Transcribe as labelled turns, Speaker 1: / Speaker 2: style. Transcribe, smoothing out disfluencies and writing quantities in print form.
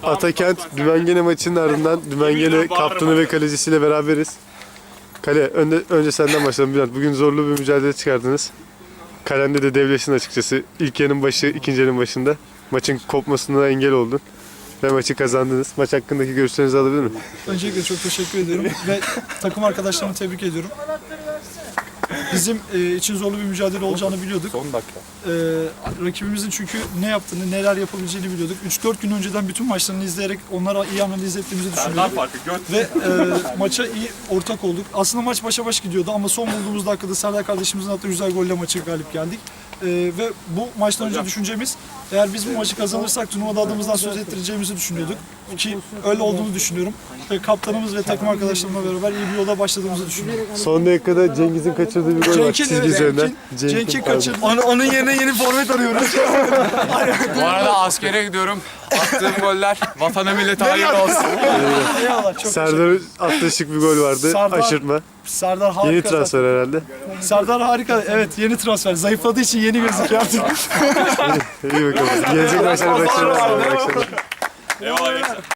Speaker 1: Atakent Dümengene maçının ardından Dümengene kaptanı ve kalecisiyle beraberiz. Kale, önce senden başlayalım Bülent. Bugün zorlu bir mücadele çıkardınız. Kalende de devleştin açıkçası. İlk yarının başı, ikinci yarının başında. Maçın kopmasına engel oldun. Ve maçı kazandınız. Maç hakkındaki görüşlerinizi alabilir miyim?
Speaker 2: Öncelikle çok teşekkür ediyorum ve takım arkadaşlarımı tebrik ediyorum. Bizim için zorlu bir mücadele olacağını biliyorduk.
Speaker 3: Son dakika.
Speaker 2: Rakibimizin çünkü ne yaptığını, neler yapabileceğini biliyorduk. 3-4 gün önceden bütün maçlarını izleyerek onlara iyi analiz ettiğimizi düşünüyorduk. Ve maça iyi ortak olduk. Aslında maç başa baş gidiyordu ama son bulduğumuz dakikada Serdar kardeşimizin attığı güzel golle maçı galip geldik. Ve bu maçtan önce düşüncemiz, eğer biz bu maçı kazanırsak turnuvada adımızdan söz ettireceğimizi düşünüyorduk. Ki öyle olduğunu düşünüyorum. Ve kaptanımız ve takım arkadaşlarımla beraber iyi bir yola başladığımızı düşünüyorum.
Speaker 1: Son dakikada Cengiz'in kaçırdığı bir gol var çizgi üzerinden.
Speaker 2: Cenk'in kaçırdı.
Speaker 3: Onun yerine yeni forvet arıyoruz.
Speaker 4: Bu arada askere gidiyorum. Attığım goller vatana millete hayırlı olsun.
Speaker 2: Eyvallah, çok
Speaker 1: Serdar'ın attığı şık bir gol vardı.
Speaker 2: Serdar-
Speaker 1: Aşırtma.
Speaker 2: Serdar harika.
Speaker 1: Yeni transfer herhalde.
Speaker 2: Serdar harika. Evet, yeni transfer. Zayıfladığı için yeni gözüküyor artık.
Speaker 1: İyi bakalım. Gelecek maçlara başarılar.